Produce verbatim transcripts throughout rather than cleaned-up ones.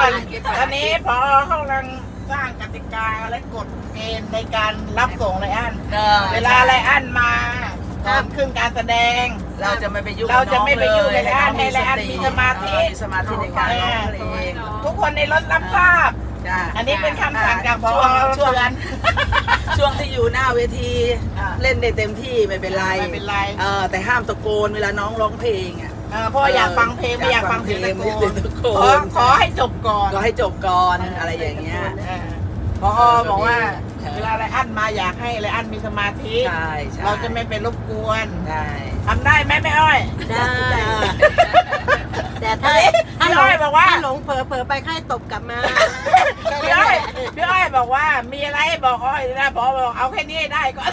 อนตอนนี้พอเขากำลังสร้างกติกาและกฎเกณฑ์ในการรับส่งไรอันเวลาไรอันมาก่อนขึ้นการแสดงเราจะไม่ไปยุ่งเราจะไม่ไปยุ่งเลยไรอันให้ไรอันมีสมาธิมีสมาธิในการร้องเพลงทุกคนในรถรับทราบอันนี้เป็นคำสั่งจากพอช่วงนั้นช่วงที่อยู่หน้าเวทีเล่นได้เต็มที่ไม่เป็นไรไม่เป็นไรเออแต่ห้ามตะโกนเวลาน้องร้องเพลงอ่ะเพราะอยากฟังเพลงไม่อยากฟังเพลงตะโกนขอให้จบก่อนก็ให้จบก่อนอะไรอย่างเงี้ยพอบอกว่าเวลาไรอันมาอยากให้ไรอันมีสมาธิเราจะไม่เป็นรบกวนทำได้ไหมแม่อ้อยได้แต่ถ้าถ้าหลงบอกว่าหลงเผลอเผลอไปค่อยตบกลับมาพี่อ้อยพี่อ้อยบอกว่ามีอะไรบอกอ้อยนะพอบอกเอาแค่นี้ได้ก่อน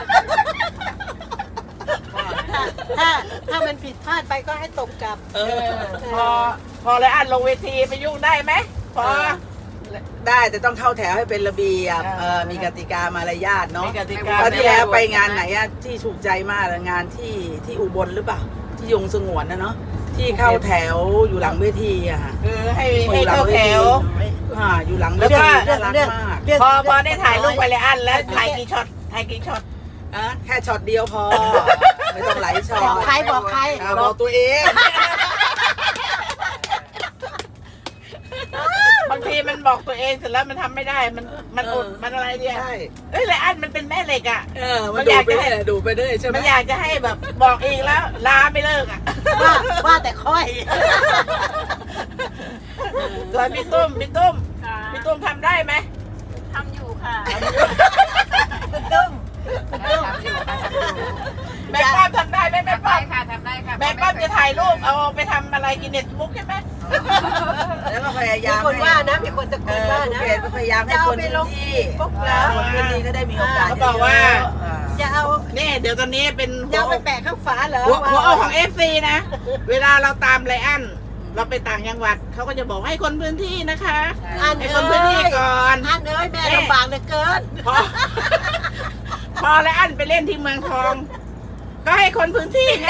ถ้าถ้ามันผิดพลาดไปก็ให้ตบกลับพอพอไรอันลงเวทีไปยุ่งได้ไหมพอได้แต่ต้องเข้าแถวให้เป็นระเบียบมีกติกามารยาทเนาะตอนที่แล้วไปงานไหนอะที่ถูกใจมากเลยงานที่ที่อุบลหรือเปล่าที่ยงสงวนนะเนาะที่เข้าแถวอยู่หลังเวทีอะค่ะคือให้ให้เข้าแถวอ่าอยู่หลังเวทีน่ารักมากพอพอได้ถ่ายรูปไปเลยอันแล้วถ่ายกี่ช็อตถ่ายกี่ช็อตอ่ะแค่ช็อตเดียวพอไม่ต้องหลายช็อตบอกใครบอกใครบอกตัวเองบางทีมันบอกตัวเองเสร็จแล้วมันทำไม่ได้มันมันอดมันอะไรเนี่ยเอ้ยไรอันมันเป็นแม่เหล็กอ่ะมันอยากจะให้ดูไปด้วยใช่ไหมมันอยากจะให้แบบบอกเองแล้วลาไม่เลิกอ่ะว่าว่าแต่ค่อยส่วนพี่ตุ้มพี่ตุ้มพี่ตุ้มทำได้ไหมทำอยู่ค่ะพี่ตุ้มแม่ป้อมทำได้ไหมแม่ป้อมค่ะทำได้ค่ะแม่ป้อมจะถ่ายรูปเอาไปทำอะไรกินเน็ตบุ๊กใช่ไหมแล้วก็พยายามมีคนว่านะมีคนตะโกนว่านะพยายามให้คนพื้นที่พวกเราคนพื้นที่ก็ได้มีโอกาสเขาบอกว่าจะเอาเนี่ยเดี๋ยวตอนนี้เป็นจะไปแปะข้างฝาเหรอหัวเอาของเอฟซีนะเวลาเราตามไรอันเราไปต่างจังหวัดเขาก็จะบอกให้คนพื้นที่นะคะให้คนพื้นที่ก่อนอันเอ้ยแม่ลำบากเหลือเกินพอพอไรอันไปเล่นที่เมืองทองก็ให้คนพื้นที่ไง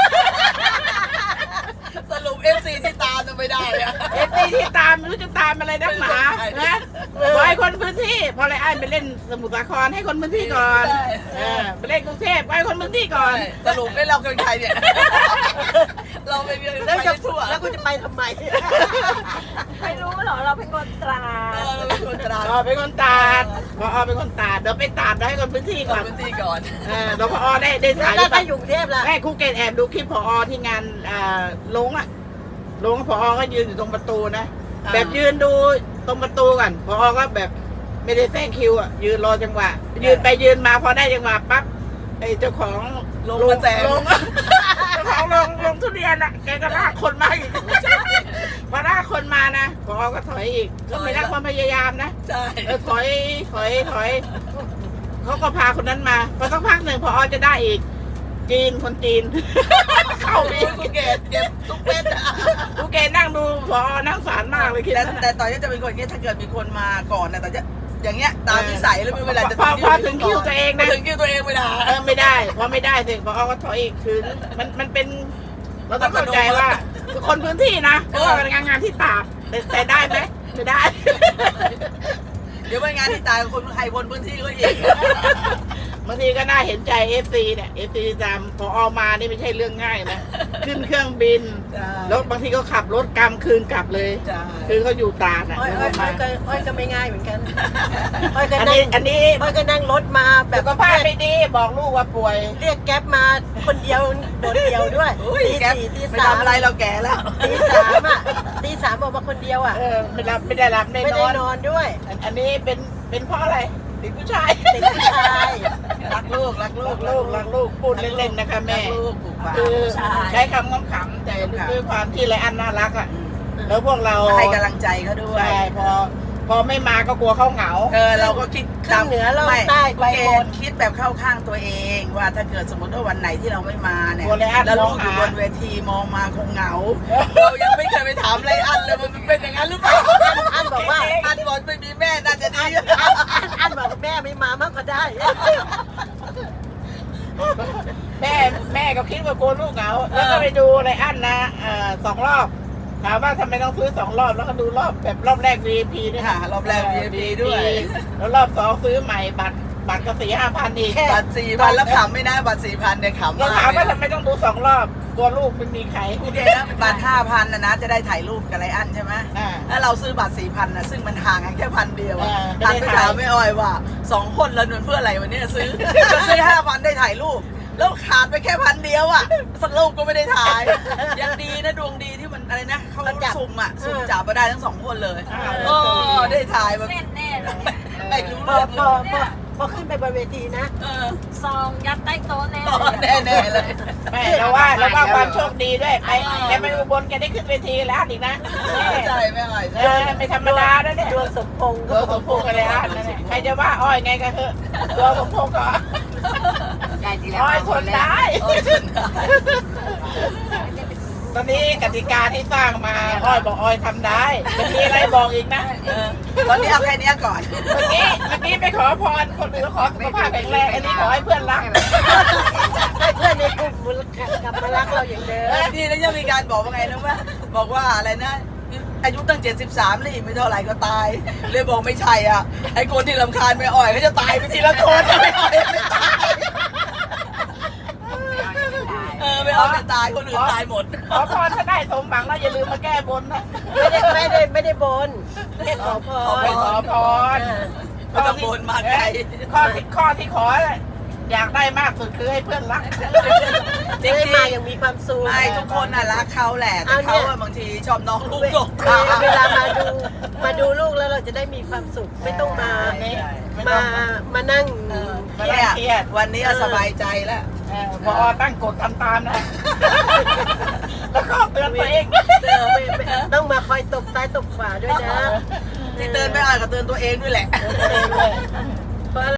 สรุปเอฟซีที่ตามจะไม่ได้อะเอฟซีที่ตามไม่รู้จะตามอะไรนักหนานะขอให้คนพื้นที่พอไรอันไปเล่นสมุทรสาครให้คนพื้นที่ก่อนไปเล่นกรุงเทพให้คนพื้นที่ก่อนสรุปไม่เราเป็นใครเนี่ยเราไปเรียนแล้วจะทั่วแล้วกูจะไปทำไมไม่รู้หรอเราเป็นคนตราดเราเป็นคนตราดอ๋อเป็นคนตาดพอเป็นคนตาดเดี๋ยวไปตาดให้คนพื้นที่ก่อนพื้นที่ก่อนเออเดี๋ยวพอได้ได้ถ่ายแล้วถ้าอยู่กรุงเทพล่ะแม่ครูเกตแอบดูคลิปพอที่งานลงอ่ะลงพอก็ยืนอยู่ตรงประตูนะแบบยืนดูตรงประตูก่อนพอก็แบบไม่ได้แทรกคิวอ่ะยืนรอจังหวะยืนไปยืนมาพอได้จังหวะปั๊บไอ้เจ้าของลงมาแจกลงเจ้าของลงลงทุเรียนอ่ะแกก็ลากคนมาอีกพอลากคนมานะพอก็ถอยอีกก็ไม่ได้ความพยายามนะใช่ถอยถอยถอยเขาก็พาคนนั้นมาพอสักพักหนึ่งพอจะได้อีกจีนคนจีนเข้าไปภูเก็ตเก็บทุกเม็ดภูเก็ตนั่งดูพอนั่งสารมากเลยคิดแต่แต่ต่อยจะเป็นคนนี้ถ้าเกิดมีคนมาก่อนนะแต่จะอย่างเงี้ยตามนิสัยแล้วเวลาจะพอพอถึงคิวตัวเองนะถึงคิวตัวเองไม่ได้เออไม่ได้พอไม่ได้สิพอก็ถอยอีกคือมันมันเป็นเราต้องเข้าใจว่าคนพื้นที่นะเพราะว่าเป็นงานงานที่ตากแต่ได้ไหมไม่ได้เดี๋ยวไปงานที่ตายคนไทยคนพื้นที่ก็อีกบางทีก็น่าเห็นใจเอฟซีเนี่ยเอฟซีจำพอออกมานี่ไม่ใช่เรื่องง่ายนะขึ้นเครื่องบินแล้วบางทีก็ขับรถกรรมคืนกลับเลยคือเขาอยู่ตาดอ่ะอ้อยอ้อยก็อ้อยก็ไม่ง่ายเหมือนกันอ้อยก็นั่งอันนี้อ้อยก็นั่งรถมาแบบก็พาไม่ดีบอกลูกว่าป่วยเรียกแก๊ปมาคนเดียวโดดเดียวด้วยตีสี่ตีสามอะไรเราแก่แล้วตีสามอ่ะตีสามออกมาคนเดียวอ่ะไม่รับไม่ได้รับไม่ได้นอนด้วยอันนี้เป็นเป็นเพราะอะไรเด็กผู้ชายเด็กผู้ชายรักลูกรักลูกลูกรักลูกพูดเล่นๆนะคะแม่คือใช้คำขำๆแต่ด้วยความที่ไรอันน่ารักอ่ะแล้วพวกเราให้กำลังใจเขาด้วยใช่พอพอไม่มาก็กลัวเขาเหงาเออเราก็คิดข้างเหนือเราใต้ไปหมดคิดแบบเข้าข้างตัวเองว่าถ้าเกิดสมมติว่าวันไหนที่เราไม่มาเนี่ยแล้วลูกอยู่บนเวทีมองมาคงเหงาเรายังไม่เคยไปถามไรอันเลยมันเป็นอย่างนั้นหรือเปล่าอันบอกว่าอันบอกไม่มีแม่น่าจะดีอันบอกแม่ไม่มามากก็ได้แม่แม่ก็คิดว่ากลัวลูกเหงาแล้วก็ไปดูไรอันนะสองรอบถามว่าทำไมต้องซื้อสองรอบแล้วก็ดูรอบแบบรอบแรก วี ไอ พี ด้วยค่ะรอบแรก วี ไอ พี ด้วยแล้วรอบสองซื้อใหม่บัตรบัตรก็สี่ห้าพันอีกบัตรสี่พันแล้วขำไม่ได้บัตรสี่พันเนี่ยขำเรามากถามว่าทำไมต้องดูสองรอบกลัวลูกไม่มีใครโอเคนะบัตรห้าพันนะนะจะได้ถ่ายรูปกับไรอันใช่ไหมอ่าแล้วเราซื้อบัตรสี่พันนะซึ่งมันห่างกันแค่พันเดียวอะอ่าหันไม่ไปได้ถ่ายถามไม่อ้อยว่าสองคนเราเดินเพื่ออะไรวันนี้ซื้อ ก็ซื้อห้าพันได้ถ่ายรูป แล้วขาดไปแค่พันเดียวอ่ะสักรูปก็ไม่ได้ถ่ายยังดีนะดวงดีที่มันอะไรนะเขาสุ่มอ่ะสุ่มจับมาได้ทั้งสองคนเลยอ่าโอ้ได้ถ่ายแบบเส้นแน่เลยไม่รู้พอเรื่องพอพอพอขึ้นไปบนเวทีนะเออซองยัดใต้โต๊ะแน่ต่อเลยแน่ๆเลยแม่เราว่าเราว่าความโชคดีด้วยไปแกไปอุบลแกได้ขึ้นเวทีแล้วอีกนะใช่ไม่อ่อยเออไม่ธรรมดานะเนี่ยดวงสมพงษ์ตัวสมพงษ์กันเลยอ่ะนั่นแหละใครจะว่าอ้อยไงก็เถอะตัวสมพงษ์ก็อ้อยทนได้โอ้ยชนได้ตอนนี้กติกาที่สร้างมาอ้อยบอกอ้อยทำได้จะมีอะไรบอกอีกนะเออตอนนี้เอาแค่นี้ก่อนเมื่อกี้เมื่อกี้ไปขอพรคนอื่นขอสุขภาพแข็งแรงอันนี้ขอให้เพื่อนรักให้เพื่อนในกลุ่มกลับมารักเราอย่างเดิมนี่แล้วยังมีการบอกว่าไงนะว่าบอกว่าอะไรนะอายุตั้งเจ็ดสิบสามเลยไม่เท่าไหร่ก็ตาย เลยบอกไม่ใช่อ่ะไอ้คนที่รำคาญไม่อ่อยก็จะตายไปทีละคนไม่อ่อยไม่ตายเออไม่เอาไม่ตายคนอื่นตายหมดขอพรถ้าได้สมหวังแล้วอย่าลืมมาแก้บนนะไม่ได้ไม่ได้ไม่ได้บนแค่ขอพขอรไปขอพรไม่ต้องบนมาไกลข้อที่ข้อที่ขออยากได้มากสุดคือให้เพื่อนรักจริงได้ๆมาอย่างมีความสุขไม่ทุกคนน่ะรักเขาแหละแต่เอาเนี่เขายอะบางทีชอบน้องลูกหลงเวเวลามาดูมาดูลูกแล้วเราจะได้มีความสุขไม่ต้องมาไม่มาต้องมานั่งเออไม่ได้เครียดวันนี้สบายใจแล้วเออพอตั้งกฎทำตามนะ แล้วก็เตือนตัวเองเออไม่ไม่ต้องมาคอยตบซ้ายตบขวาด้วยนะที่เตือนไม่อ่านก็เตือนตัวเองด้วยแหละเ